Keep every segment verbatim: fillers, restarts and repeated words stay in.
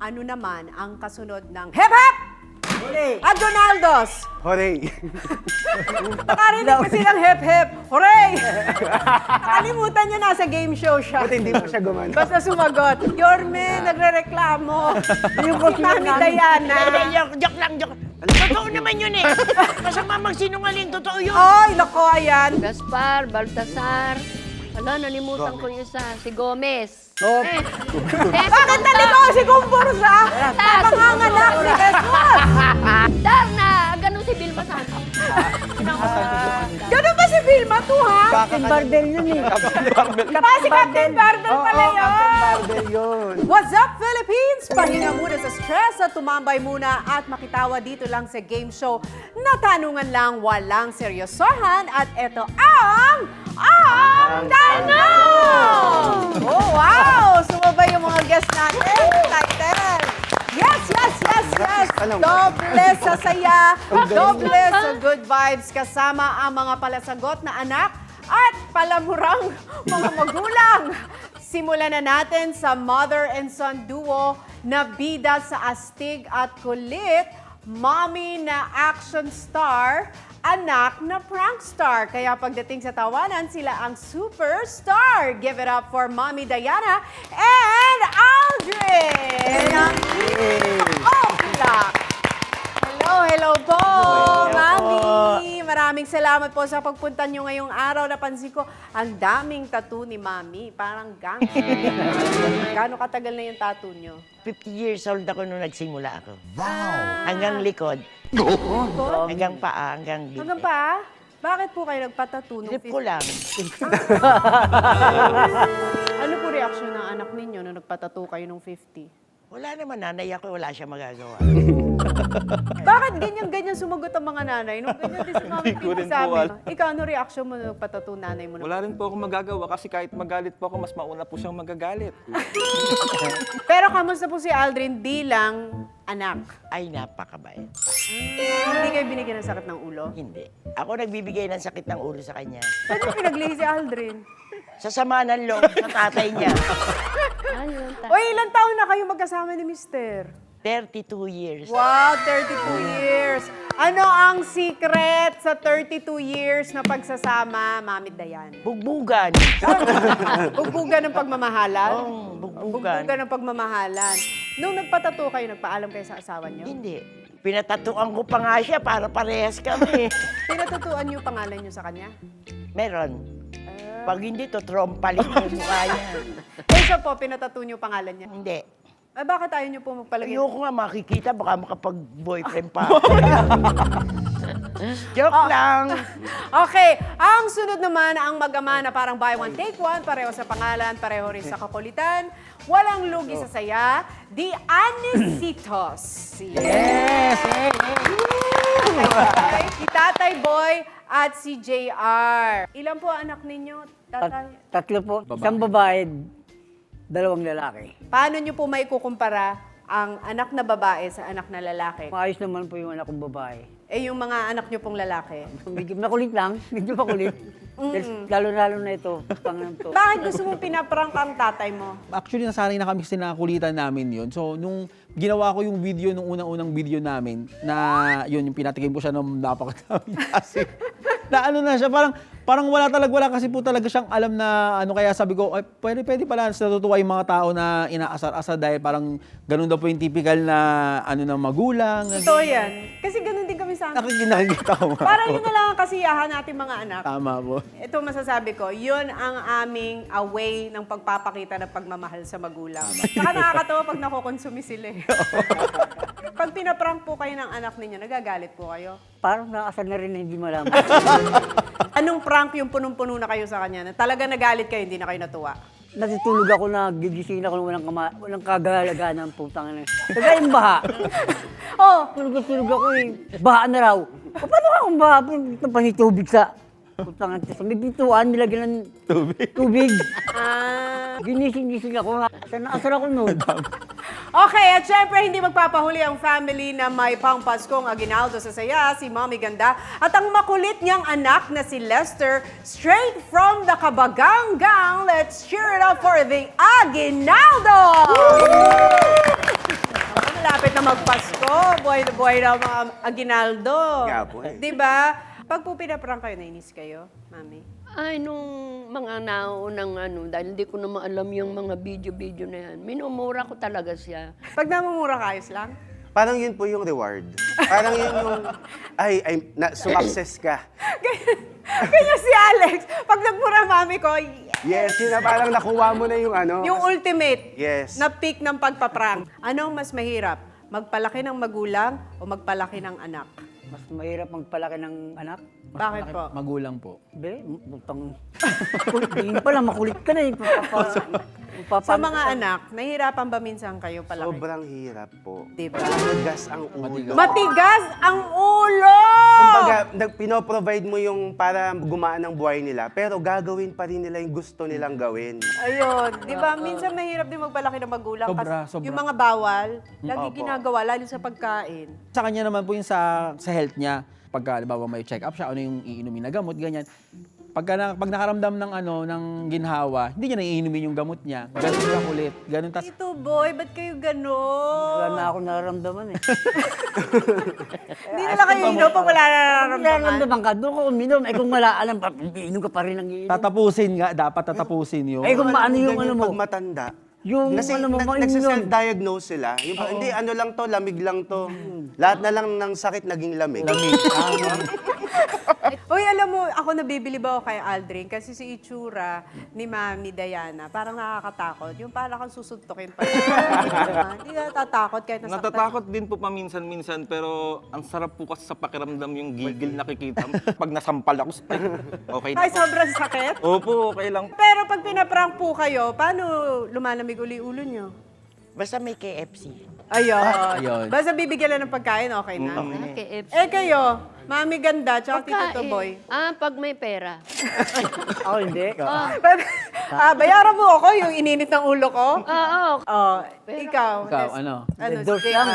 Ano naman ang kasunod ng Hep Hep! Hooray! Agonaldos! Hooray! Nakarinig kasi ng Hep Hep! Hooray! Nakalimutan niya nasa game show siya. Buti hindi mo siya gumana. Basta sumagot. Yorme, nagre-reklamo. Yung si Mami Diana. Joke, joke lang, joke. Totoo naman yun eh. Masama magsinungaling, totoo yun. Ay, nako, ayan. Gaspar, Baltasar. Wala, nalimutan ko yung isa. Si Gomez. Oh. Eh, Bakit naliko si Kumpursa? Panganganak ni Jesus! Darna! Ganun si Vilma Santos. Ganun ba si Vilma to, ha? Captain Barbell yun eh. Ah, si Captain Barbell Oo, pala yun. Captain Barbell yun. What's up, Philippines? Pahinga muna sa stress at tumambay muna at makitawa dito lang sa game show na tanungan lang, walang seryosohan. At ito ang... Ang Tanong! Oh, wow! Sumabay yung mga guests natin. Excited! Yes, yes, yes, yes! Doble sa saya, doble sa good vibes kasama ang mga palasagot na anak at palamurang mga magulang. Simulan na natin sa mother and son duo na bida sa astig at kulit, mommy na action star, anak na prankster. Kaya pagdating sa tawanan, sila ang superstar. Give it up for Mommy Diana and Aldrin! Ang Oplak! Hello, hello po, Mami! Maraming salamat po sa pagpunta nyo ngayong araw. Napansin ko, ang daming tattoo ni Mami. Parang gang. Gano'ng katagal na yung tattoo nyo? fifty years old ako nung nagsimula ako. Wow! Hanggang likod. Likod? Hanggang paa, hanggang dito. Hanggang pa? Bakit po kayo nagpatattoo nung Trip ko lang. Ano po reaksyon ng anak ninyo nung nagpatattoo kayo nung fifty? Wala naman, nanay ako, wala siya magagawa. Bakit ganyan-ganyan sumagot ang mga nanay? Nung ganyan din si Mami Hindi ko rin Pina sabi. po alam. Ikaw, ano reaksyon mo nung nagpatattoo nanay mo? Wala rin po ako magagawa kasi kahit magalit po ako, mas mauna po siyang magagalit. Pero kamusta po si Aldrin bilang anak? Ay, napakabait. Hindi kayo binigyan ng sakit ng ulo? Hindi. Ako nagbibigay ng sakit ng ulo sa kanya. Saan yung pinaglihi si Aldrin? Sa sama ng loob sa tatay niya. Ayun, ta- O ilang taon na kayo magkasama ni Mister? thirty-two years. Wow, thirty-two years. Ano ang secret sa thirty-two years na pagsasama, Mami Dayan? Bugbugan. Bugbugan ng pagmamahalan? Oo, bugbugan. Bugbugan ng pagmamahalan. Nung nagpatato kayo, nagpaalam kayo sa asawa niyo? Hindi. Pinatatuan ko pa nga siya para parehas kami. Pinatutuan niyo pangalan niyo sa kanya? Meron. Pag hindi, to trompalit yung mukha niya. Eh, siya po, pinatato niyo pangalan niya? Hindi. Eh, bakit ayaw niyo po magpalagay? Ayoko nga makikita, baka makapag-boyfriend pa. Joke Oh. lang. Okay, ang sunod naman ang mag-ama na parang buy one, take one, pareho sa pangalan, pareho rin sa kakulitan, walang lugi sa saya, the Anisitos. Yes! Okay, si Tatay Boy at si J R. Ilan po anak ninyo, Tatay? Tat- tatlo po. Isang babae, dalawang lalaki. Paano niyo po maikukumpara ang anak na babae sa anak na lalaki? Maayos naman po yung anak kong babae. Eh, yung mga anak niyo pong lalaki. Medyo makulit lang, medyo makulit. Dahil Lalo-lalo na ito, pangalan to. Bakit gusto mong pinaprank ang tatay mo? Actually, nasanay na kami kasi nakulitan namin yun. So, nung ginawa ko yung video, nung unang-unang video namin, na yun, yung pinatikim ko siya ng napakadami kasi. Na ano na siya, parang, parang wala talaga, wala kasi po talaga siyang alam na ano, kaya sabi ko, ay, pwede, pwede pala, natutuwa yung mga tao na inaasar-asar dahil parang ganun daw po yung typical na ano ng magulang. Totoo yan. Kasi ganun din kami sa anak. Nakik- Nakikita ko nga Parang po. yun na lang ang kasiyahan natin mga anak. Tama po. Ito masasabi ko, yun ang aming a way ng pagpapakita ng pagmamahal sa magulang. Saka nakakatawa pag nakukonsumi sila eh. Pag pinaprank po kayo ng anak ninyo, nagagalit po kayo. Parang nakasal na rin na hindi malaman. Anong prank yung punong-puno na kayo sa kanya na talaga nagalit kayo, hindi na kayo natuwa? Natutulog ako na gigising ako walang, kama, walang kagalaga ng putang na. Kaya yung baha. Oh, Tulog-tulog ako eh. Baha na raw. O, paano ka kung baha? Panitubig sa putang na. Sa may pintuan, nilagyan ng tubig. tubig. ah... Ginising-gising ako. Saan naasar ako noon? Okay, at syempre hindi magpapahuli ang family na may pangpaskong aginaldo sa saya, si Mommy Ganda, at ang makulit niyang anak na si Lester, straight from the Kabagang Gang. Let's cheer it up for the Aguinaldo! magpasko. Buhay na buhay na mga aginaldo. Nga po eh. Di ba? Pag po pinaprank kayo, nainis kayo, mami? Ay, nung mga naunang ano, dahil hindi ko naman alam yung mga video-video na yan, minumura ko talaga siya. Pag namumura ka, ayos lang? Parang yun po yung reward. Parang yun yung, ay, ay na, sumakses ka. Kanya si Alex, pag nagmura mami ko, Yes, yun na parang nakuha mo na yung ano. yung ultimate Yes. na peak ng pagpaprank. Anong mas mahirap? Magpalaki ng magulang o magpalaki ng anak? Mas mahirap magpalaki ng anak. Bakit po? Magulang po. Be, utang. Tingin pa lang, makulit ka na eh. Papa, papa, Sa mga anak, nahihirapan ba minsan kayo palaki? Sobrang hirap po. Diba? Matigas ang ulo. Matigas ang ulo! Kumbaga, nag- pinoprovide mo yung para gumaan ang buhay nila, pero gagawin pa rin nila yung gusto nilang gawin. Ayun, di ba? Minsan mahirap din magpalaki ng magulang. Sobra, kasi sobra. yung mga bawal, lagi Opo. ginagawa, lalo sa pagkain. Sa kanya naman po yung sa, sa health niya, pagka halimbawa may check up siya, ano yung iinumin na gamot, ganyan. Pagka na, pag nakaramdam ng ano ng ginhawa, hindi niya na iinumin yung gamot niya. Ganun siya kulit. Ganun tas Ito boy, ba't kayo Wala gano'n? na ako nararamdaman eh. Hindi nila kayo inom pag wala na nararamdaman. Nararamdaman ka, doon ko uminom. Eh kung wala alam, pa- iinom ka pa rin ng iinom. tatapusin nga, dapat tatapusin yun. Eh kung maano yung Ganyan ano mo, Pag matanda. yung Kasi ano mo, nag- mainom. nagsiself-diagnose sila. Yung, pa- hindi, ano lang to, lamig lang to. Lahat na lang ng sakit naging lamig. Uy, alam mo, ako nabibili ba ako kay Aldrin? Kasi si itsura ni Mami Diana, parang nakakatakot. Yung parang kang susuntukin pa. Hindi ka natatakot kahit nasaktan. Natatakot din po paminsan-minsan, pero ang sarap po kasi sa pakiramdam yung gigil nakikita mo. Pag nasampal ako, ay, okay na. Ay, sobrang sakit. Opo, okay lang. Pero pag pinaprank po kayo, paano lumalamig uli ulo nyo? Basta may K F C. Ayun. Ayun. Basta bibigyan lang ng pagkain, okay na. Ah, K F C. Eh kayo, Mami Ganda, tsaka Tito Pagkain. Toboy. Ah, pag may pera. Ako hindi. ah, bayaran mo ako yung ininit ng ulo ko. Oo. Oh, ikaw. Ikaw, Tess. ano? Ano, Red Horse sige. lang.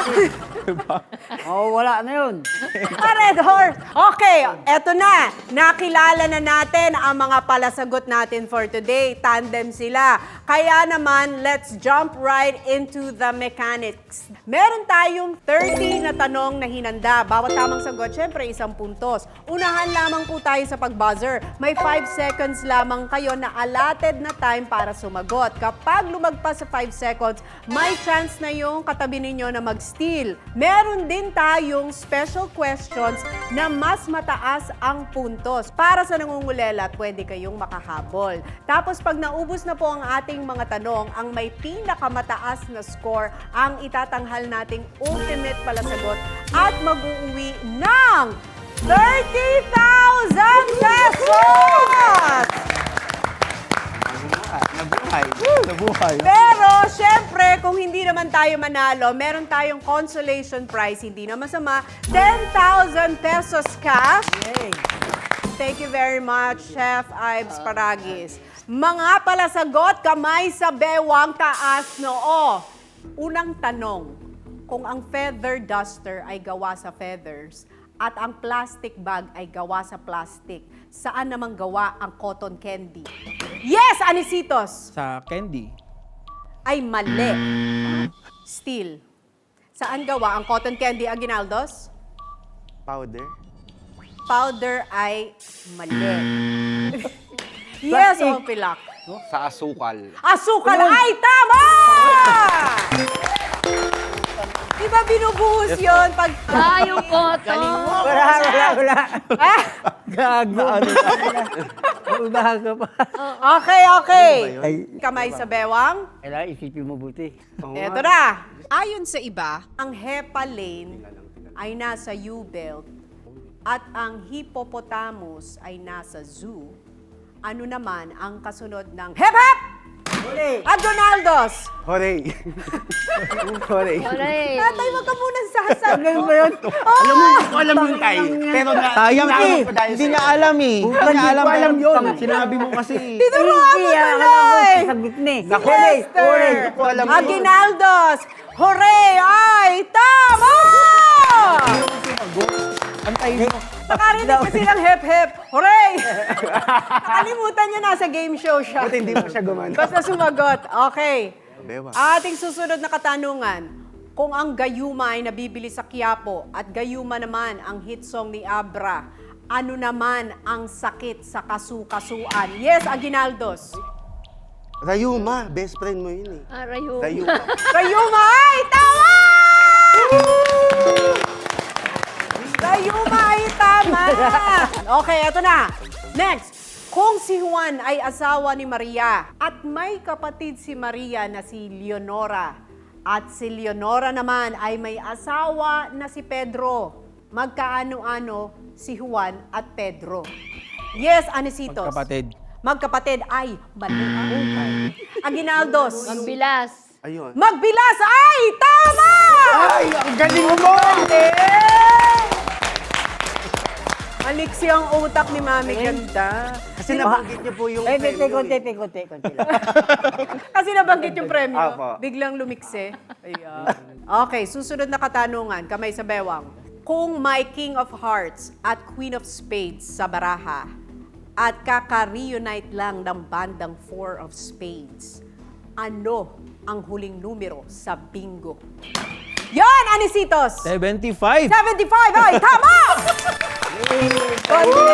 Oo, wala na yun. Ah, Red Horse. Okay, eto na. Nakilala na natin ang mga palasagot natin for today. Tandem sila. Kaya naman, let's jump right into the mechanics. Meron tayong thirty na tanong na hinanda. Bawat tamang sagot, syempre isang puntos. Unahan lamang po tayo sa pag-buzzer. May five seconds lamang kayo na allotted na time para sumagot. Kapag lumagpas sa five seconds, may chance na yung katabi ninyo na mag-steal. Meron din tayong special questions na mas mataas ang puntos. Para sa nangungulela, pwede kayong makahabol. Tapos pag naubos na po ang ating mga tanong, ang may pinakamataas na score ang itatanghal nating ultimate palasagot at mag-uuwi ng thirty thousand pesos! Nabuhay. Nabuhay. Pero, syempre, kung hindi naman tayo manalo, meron tayong consolation prize, hindi na masama, ten thousand pesos cash. Thank you very much, Chef Ives Paragis. Mga palasagot, kamay sa bewang, taas noo. Unang tanong, kung ang feather duster ay gawa sa feathers at ang plastic bag ay gawa sa plastic, saan namang gawa ang cotton candy? Yes, Anisitos! Sa candy. Ay mali. Still. Saan gawa ang cotton candy, Aguinaldos? Powder. Powder ay mali. Yes, o pilak. Sa asukal. Asukal ay tama! Di ba binubuhos yun pag... Ah, yung koto. Wala, wala, wala. Ah, Gago. Wala ka pa. okay, okay. Ay, Kamay sa bewang. kailangan isipin mo buti. Oo Eto nga. na. Ayon sa iba, ang hepalane ay nasa U-belt at ang hippopotamus ay nasa zoo. Ano naman ang kasunod ng hep-hep? Huli! Aguinaldos! Hooray! Hooray! Alright. Tatay, wag ka muna sasag. Ganun ba yun? Alam mo, hindi ko alam yung tayo. Pero na, Sayang naalam eh. ko dahil Hindi sa'yo. niya alam eh. Hindi Hindi niya alam ko alam pero yun. Sinabi mo kasi. Tinuruan mo Hindi, ah, tuloy! alam ko, sasagot na eh. Naku, Huli! Lester! Huli! ko alam yun. Aguinaldos! Hooray! Ay, tama! Antayin mo. Nakarinig kasi ng hep-hep. Hooray! Nakalimutan niya nasa game show siya. Buti hindi mo siya gumana. Basta sumagot. Okay. Bewa. Ating susunod na katanungan. Kung ang gayuma ay nabibili sa Quiapo at gayuma naman ang hit song ni Abra, ano naman ang sakit sa kasukasuan? Yes, Aguinaldos. Rayuma, best friend mo yun eh. Ah, rayo. Rayuma. Gayuma ay tama! Gayuma ay tama! Okay, eto na. Next. Kung si Juan ay asawa ni Maria at may kapatid si Maria na si Leonora at si Leonora naman ay may asawa na si Pedro, magkaano-ano si Juan at Pedro? Yes, Anisitos. Magkapatid. Magkapatid ay mali. Aguinaldos. Magbilas. Ayun. Magbilas ay tama! Ay, ang galing mo! Aliksi ang utak ni Mami, ganda. Kasi nabanggit niyo po yung Eh, konti, premyo konti, eh. konti, konti, konti lang. Kasi nabanggit yung premyo. Apo. Biglang lumikse. Ayan. Okay, susunod na katanungan, kamay sa bewang. Kung may King of Hearts at Queen of Spades sa baraha at kaka-reunite lang ng bandang Four of Spades, ano ang huling numero sa bingo? Yon, Anisitos! seventy-five. seventy-five ay tama! Yay!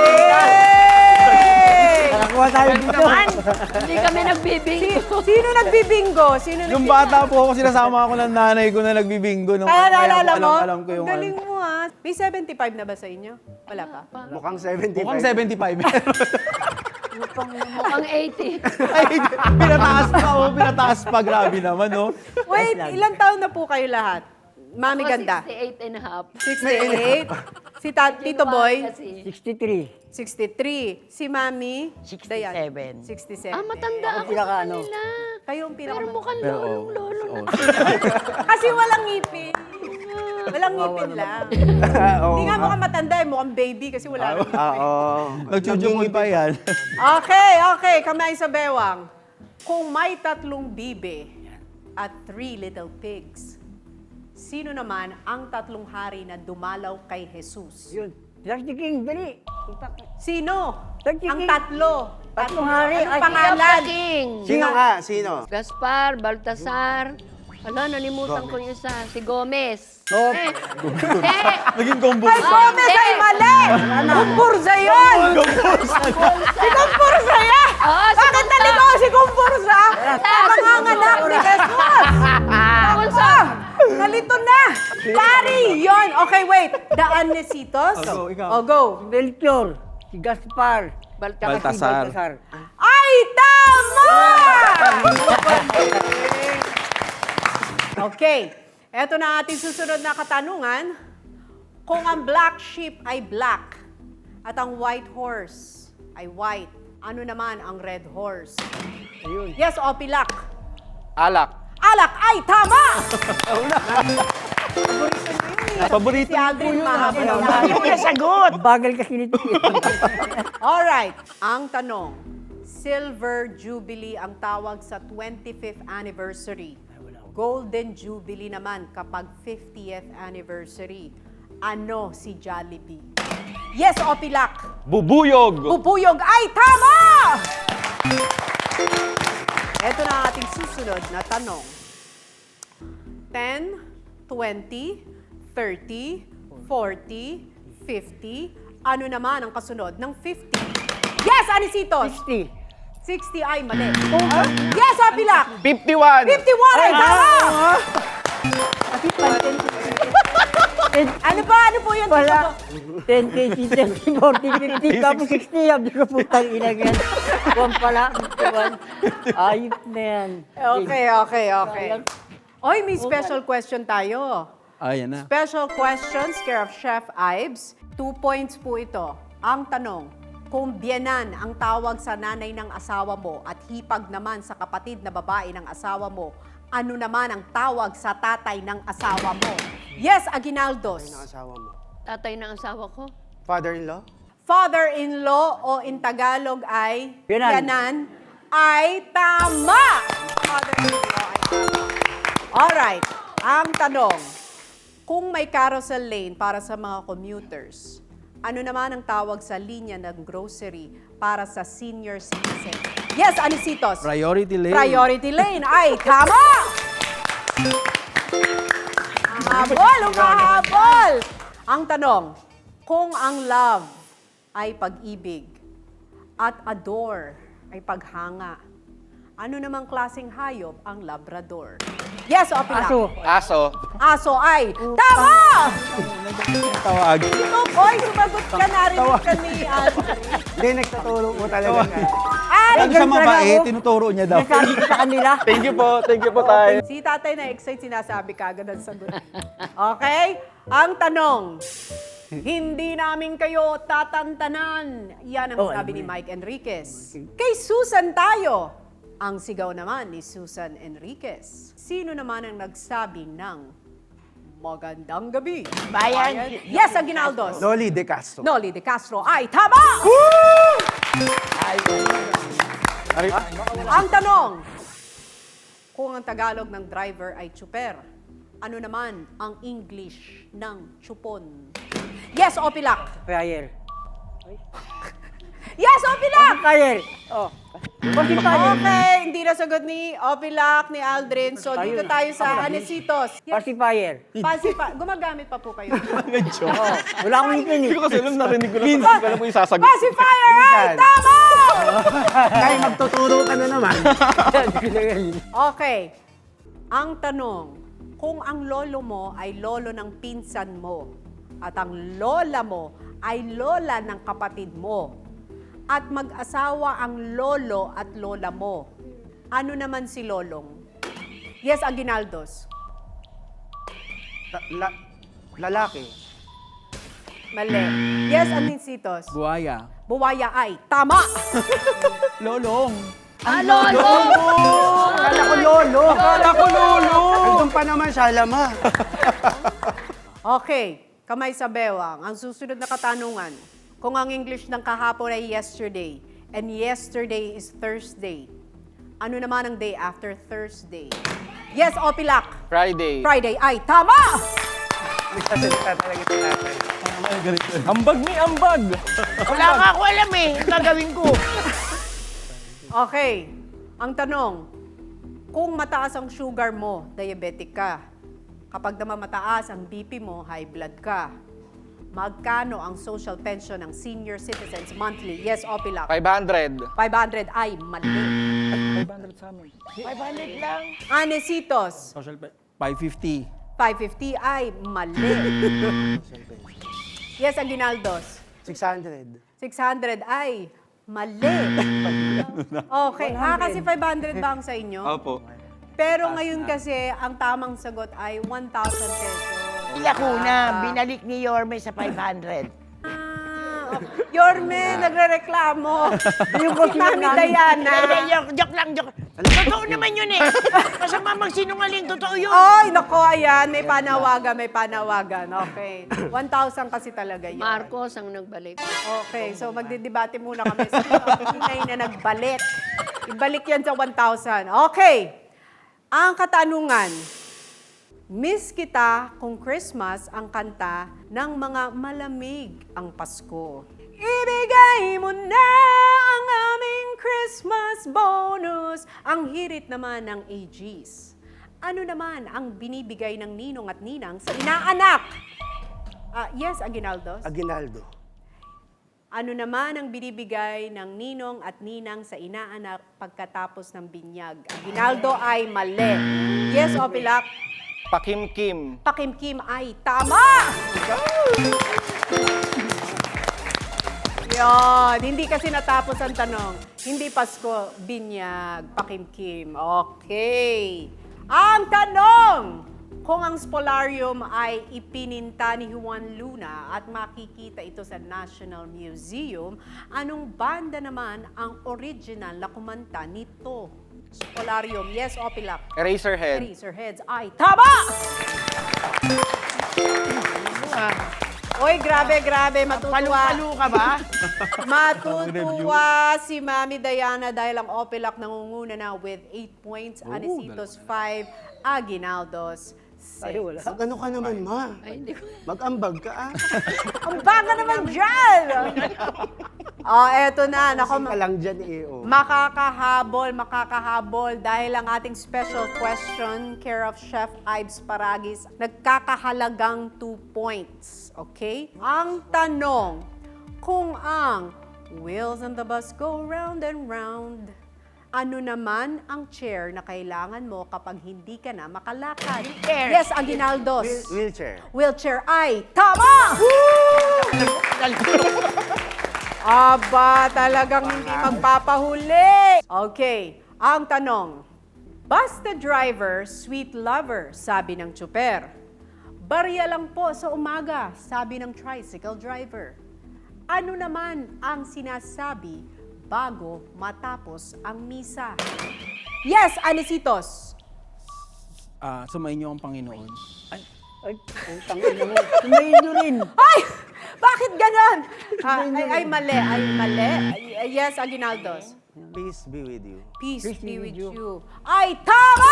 Nakakuha tayo dito. Hindi kami nagbibingo. Sino nagbibingo? Sino Nung nagbibingo? bata po ako, sinasama ako ng nanay ko na nagbibingo. Nung, Kaya naalala alam, mo? Alam ko yung Ang galing ano. mo ha. May seventy-five na ba sa inyo? Wala pa? Mukhang seventy-five. Mukhang seventy-five. Mukhang eighty. Ay, pinataas pa ako, pinataas pa. Grabe naman, no? Wait, ilang taon na po kayo lahat? Mami Ako ganda. sixty-eight and a half. sixty-eight. Si ta- Tito Boy, Kasi. sixty-three. sixty-three. Si Mami, Dayan, sixty-seven. sixty-seven. Ah, matanda ako pinaka sa ano? kanila. Kayo ang Pero pinaka... mukhang Pero, lolong lolo na. Kasi walang ngipin. Walang ngipin lang. Hindi nga mukhang matanda eh, mukhang baby kasi wala nang ngipin. Oo. Nagchuchumoy pa yan. Okay, okay. Kamay sa bewang. Kung may tatlong bibe at three little pigs, sino naman ang tatlong hari na dumalaw kay Jesus? Yun. That's the king, dali. Sino? Tag- Ang tatlo. Tatlong hari. Anong Ay, pangalan? King. Sino nga? Sino? Gaspar, Baltasar. Ala, nalimutan ko yung isa. Si Gomez. Oh. Eh, hindi. Naging combo. Ay, Gomez ay mali! Kumpursa yun! Si Kumpursa yan! Oo, si Bakit naligaw si Kumpursa? Panganganak ni Jesus! Kunsa. Nalito na! Pari! Yun! Okay, wait. Daan ni Sitos? Oh, go, ikaw. Oh, go. Melchior, si Gaspar, Baltasar. si Baltasar. Baltasar. Ay, tama! Okay. Eto na ating susunod na katanungan. Kung ang black sheep ay black at ang white horse ay white, ano naman ang red horse? Ayun. Yes, Opilak. Alak. Alak ay tama! Paborito Si Aldrin mahaba. Hindi mo nasagot. Bagal kasi nito. Alright, ang tanong, Silver Jubilee ang tawag sa twenty-fifth anniversary. Golden Jubilee naman kapag fiftieth anniversary. Ano si Jollibee? Yes, Opilak. Bubuyog. Bubuyog ay tama! Ito na ang ating susunod na tanong. ten, twenty, thirty, forty, fifty. Ano naman ang kasunod ng fifty? Yes, Anisitos! sixty. sixty ay mali. Yes, Opilak! fifty-one. fifty-one ay tama! Ano pa? Ano po yun? Wala. ten, twenty, thirty, forty, fifty, tapos sixty. Sabi ko, putang ina yan. Kuwan pala. Kuwan. Ayop na yan. Okay, okay, okay. Oy, may special question tayo. Ayan na. Special questions care of Chef Ives. Two points po ito. Ang tanong, kung biyenan ang tawag sa nanay ng asawa mo at hipag naman sa kapatid na babae ng asawa mo, ano naman ang tawag sa tatay ng asawa mo? Yes, Aguinaldos. Ang asawa mo. Tatay ng asawa ko. Father-in-law? Father-in-law o in Tagalog ay Biyenan. biyenan ay tama. Father-in-law ay tama. Alright, ang tanong, kung may carousel lane para sa mga commuters, ano naman ang tawag sa linya ng grocery para sa senior citizen? Yes, Anisitos. Priority lane. Priority lane ay tama! Humahabol, humahabol! Ang tanong, kung ang love ay pag-ibig at adore ay paghanga, ano namang klaseng hayop ang labrador? Yes, o Pilar? Aso. Aso. Aso ay tama! Tawag. Ito, boy, sumagot ka, narinig ka ni Andre. Hindi, nagtuturo po talaga. Ay, Ang sa ganun talaga mabait, ako. tinuturo niya daw. Nasabi ko sa kanila. Thank you po. Thank you po tayo. si tatay na-excite, sinasabi ka agad ang sagot. Okay? Ang tanong, hindi namin kayo tatantanan. Yan ang Oh, sabi ano ni Mike Enriquez. Kay Susan tayo. Ang sigaw naman ni Susan Enriquez. Sino naman ang nagsabi ng magandang gabi? Bayan. Yes, Aguinaldos. Noli De Castro. Noli De Castro ay tama! Ang tanong, kung ang Tagalog ng driver ay chuper, ano naman ang English ng chupon? Yes, Opilak! Prayer. Yes, Opilak! Prayer. Oh. Pacifier. Okay, hindi na sagot ni Opilak, ni Aldrin. So, dito tayo sa Anesitos. Yes, Pacifier. Pacifier. Gumagamit pa po kayo. Oh. Wala akong ngipin Hindi eh. ko kasi alam, narinig ko lang. Hindi ko alam kung yung sasagot. Pacifier ay tama! Kaya magtuturo ka na naman. Okay. Ang tanong, kung ang lolo mo ay lolo ng pinsan mo at ang lola mo ay lola ng kapatid mo at mag-asawa ang lolo at lola mo, ano naman si lolong? Yes, Aguinaldos. Ta- la- lalaki. Mali. Yes, Anisitos. Buhaya. Buwaya ay tama! Lolong. Ah, lolo! Akala ko lolo. Akala ko lolo. Andun pa naman siya, lama. Okay, kamay sa bewang. Ang susunod na katanungan, kung ang English ng kahapon ay yesterday, and yesterday is Thursday, ano naman ang day after Thursday? Yes, Opilak. Friday. Friday ay tama! Nagsasalita talaga si tatay. Ambag ni ambag. Wala nga ako alam eh. Ang gagawin ko. Okay, ang tanong, kung mataas ang sugar mo, diabetic ka. Kapag naman mataas ang B P mo, high blood ka. Magkano ang social pension ng senior citizens monthly? Yes, Opilak. five hundred. five hundred ay mali. five hundred sa amin. five hundred lang. Anesitos, Social pa- five fifty. five fifty ay mali. Yes, Aguinaldos. six hundred. six hundred ay mali. Okay. Ah, kasi five hundred ba ang sa inyo? Opo. Pero ngayon kasi, ang tamang sagot ay one thousand pesos. Ila ko na, binalik ni Yorme sa five hundred. Ah, okay. Yorme, nagre-reklamo. Yung ko Si Mami Hindi, Diana. joke, joke lang, joke. Totoo naman yun eh. Masama magsinungaling, totoo yun. Ay, nako, ayan. May panawagan, may panawagan. Okay. one thousand kasi talaga yun. Marcos ang nagbalik. Okay, so magdidebate muna kami sa tunay na nagbalik. Ibalik yan sa one thousand. Okay. Ang katanungan, Miss kita kung Christmas ang kanta ng mga malamig ang Pasko. Ibigay mo na ang aming Christmas bonus. Ang hirit naman ng A Gs. Ano naman ang binibigay ng ninong at ninang sa inaanak? Ah, yes, Aguinaldos. Aguinaldo. Ano naman ang binibigay ng ninong at ninang sa inaanak pagkatapos ng binyag? Aguinaldo ay mali. Yes, Opilak. Pakimkim. Pakimkim ay tama! Yon, hindi kasi natapos ang tanong. Hindi Pasko, binyag, pakimkim. Okay. Ang tanong, kung ang spolarium ay ipininta ni Juan Luna at makikita ito sa National Museum, anong banda naman ang original na kumanta nito? Spolarium, yes, Opilak. Eraserhead. Eraserheads ay tama! Oy, grabe, grabe, matutuwa. Palu-palu ka ba? Matutuwa si Mami Diana dahil ang Opilak nangunguna na with eight points, Anesitos five, Aguinaldos Ay, wala. Mag ano ka naman, ma? Ay, hindi ko. Mag-ambag ka, ah. Ang baga naman dyan! Oh, eto na. Nako, Kasi ka lang dyan, eh, oh. makakahabol, makakahabol dahil ang ating special question, care of Chef Ives Paragis, nagkakahalagang two points. Okay? Ang tanong, kung ang wheels on the bus go round and round, ano naman ang chair na kailangan mo kapag hindi ka na makalakad? Chair. Yes, Aguinaldos. Wheel- wheelchair. Wheelchair ay tama! Aba, talagang hindi magpapahuli. Okay, ang tanong. Basta driver, sweet lover, sabi ng tsuper. Barya lang po sa umaga, sabi ng tricycle driver. Ano naman ang sinasabi bago matapos ang misa? Yes, Anisitos. Ah, sumayin niyo ang Panginoon. Ay, Ay, putang ina mo. Sumayin nyo rin. Ay! Bakit ganon? Ah, ay, ay, mali. Ay, mali. Ay, yes, Aguinaldos. Peace be with you. Peace, Peace be be with with you. Ay, tama!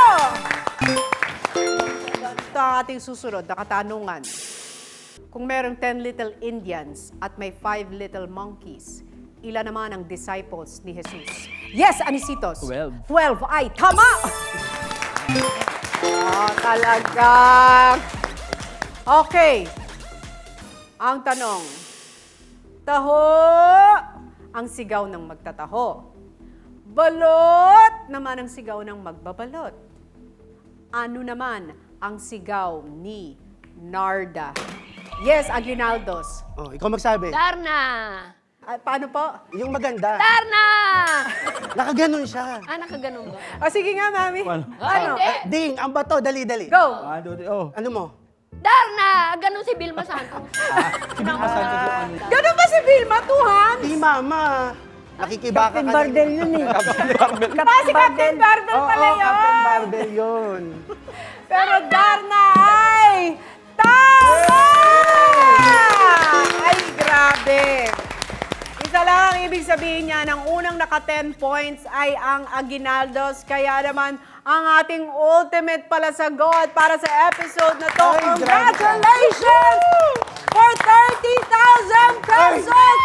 Ito ang ating susunod na katanungan. Kung merong ten little Indians at may five little monkeys, ilan naman ang disciples ni Jesus? Yes, Anisitos. Twelve. Twelve. Ay, tama! Oh, talaga. Okay. Ang tanong, taho ang sigaw ng magtataho. Balot naman ang sigaw ng magbabalot. Ano naman ang sigaw ni Narda? Yes, Aguinaldos. Oh, ikaw magsabi. Darna! Ah, paano po? Yung maganda. Darna! Nakaganon siya. Ah, nakaganon ba? O sige nga, mami. Paano? Ano? Hindi. Ding, ang bato, dali, dali. Go! ah, do- oh. Ano mo? Darna! Ganun si Vilma Santos. Sinasabi ko ano. Ganun ba si Vilma? Two hands? Di, mama. Nakikibaka Captain ka Bardel yun eh. Ah, si Captain Barbel Oo, pala oh, Captain yun. Bardel yun. Pero Darna ay tama! Ay, grabe. Isa lang ang ibig sabihin niya, ng unang naka ten points ay ang Aguinaldos. Kaya naman, ang ating ultimate pala sa God para sa episode na to. Ay, grabe. Congratulations! For thirty thousand pesos,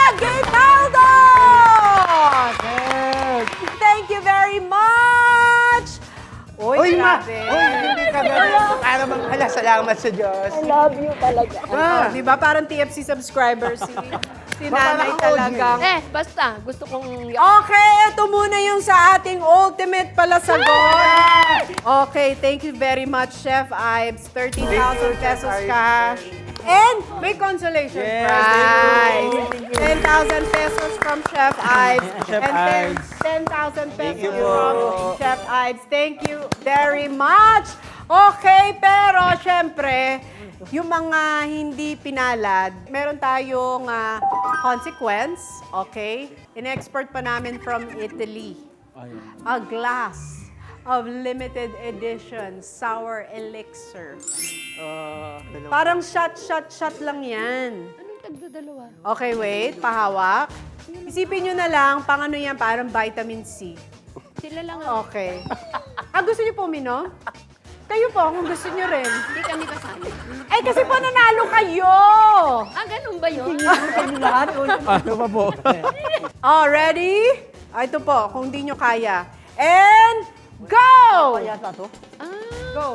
Aguinaldos! Thank you very much! Uy, Uy, ma! grabe. Uy, hindi ka ganun. Para bang, ala, salamat sa Diyos. I love you talaga. Oh, di ba? Parang T F C subscriber si, si nanay Parang ako, talagang. Eh, basta. Gusto kong... Okay, ito muna yung sa ating ultimate pala sagot. Okay, thank you very much, Chef Ives. thirty thousand pesos ka. And may consolation Yes, prize. ten thousand pesos from Chef Ives. Chef and Ives. ten thousand pesos you from po. Chef Ives. Thank you very much. Okay, pero syempre, yung mga hindi pinalad, meron tayong ah, consequence, okay? In-export pa namin from Italy. Ayun. A glass of limited edition sour elixir. Parang shot, shot, shot lang yan. Anong tagdadalawa? Okay, wait. Pahawak. Isipin nyo na lang, pang ano yan, parang vitamin C. Sila lang ang... Okay. Ah, gusto nyo po uminom? Kayo po, kung gusto nyo rin. Hindi kami kasali. Eh, kasi po nanalo kayo! Ah, ganun ba yun? Kami lahat. Ano pa po? Oh, ready? Ah, ito po, kung di nyo kaya. And, go! Kaya sa to? Go.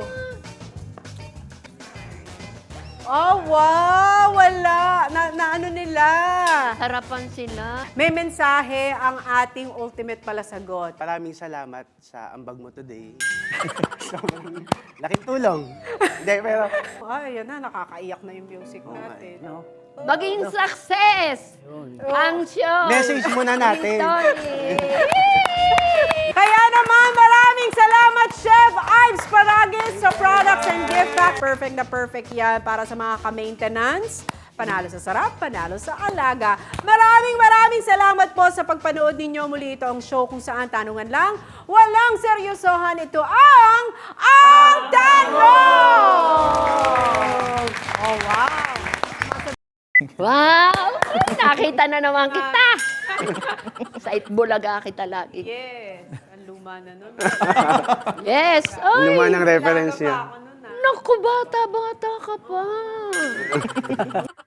Oh, wow! Wala! Na, na ano nila? Harapan sila. May mensahe ang ating ultimate palasagot. Maraming salamat sa ambag mo today. Sobrang laking tulong. Hindi, pero Ay, yan na, nakakaiyak na yung music natin. No? Maging success! Ang show! message muna natin. Story! Kaya naman, maraming salamat, Chef Ives Paragis, sa products and gift pack. Perfect na perfect yan para sa mga ka-maintenance. Panalo sa sarap, panalo sa alaga. Maraming maraming salamat po sa pagpanood ninyo. Muli ito ang show kung saan tanungan lang. Walang seryosohan. Ito ang Ang Tanong! Oh, wow! Wow! Nakita na naman kita! Sa Itbulaga kita lagi. Yes, ang luma na nun. Yes! Oy! luma ng reference Alaga pa niya. ako nun, ah. naku, bata-bata ka pa.